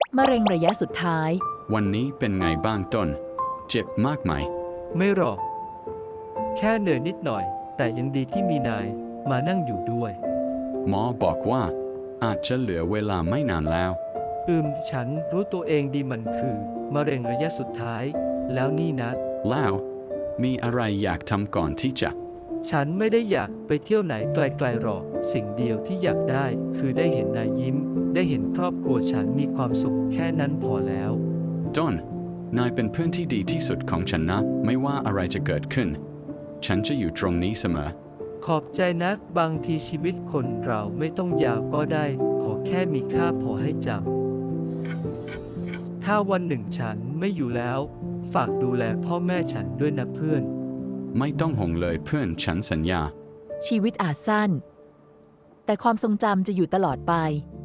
มะเร็งระยะสุดท้ายวันนี้เป็นไงบ้างต้น เจ็บมากไหมไม่หรอก แค่เหนื่อยนิดหน่อย แต่ยังดีที่มีนายมานั่งอยู่ด้วยหมอบอกว่าอาจจะเหลือเวลาไม่นานแล้วฉันรู้ตัวเองดีมันคือมะเร็งระยะสุดท้าย แล้วนี่นะแล้วมีอะไรอยากทำก่อนที่จะฉันไม่ได้อยากไปเที่ยวไหนไกลๆหรอก สิ่งเดียวที่อยากได้คือได้เห็นนายยิ้ม ได้เห็นครอบครัวฉันมีความสุขแค่นั้นพอแล้วต้น นายเป็นเพื่อนที่ดีที่สุดของฉันนะ ไม่ว่าอะไรจะเกิดขึ้น ฉันจะอยู่ตรงนี้เสมอขอบใจนะบางทีชีวิตคนเราไม่ต้องยาวก็ได้ ขอแค่มีค่าพอให้จำถ้าวันหนึ่งฉันไม่อยู่แล้ว ฝากดูแลพ่อแม่ฉันด้วยนะเพื่อนไม่ต้องห่วงเลยเพื่อนฉันสัญญาชีวิตอาจสั้น แต่ความทรงจำจะอยู่ตลอดไป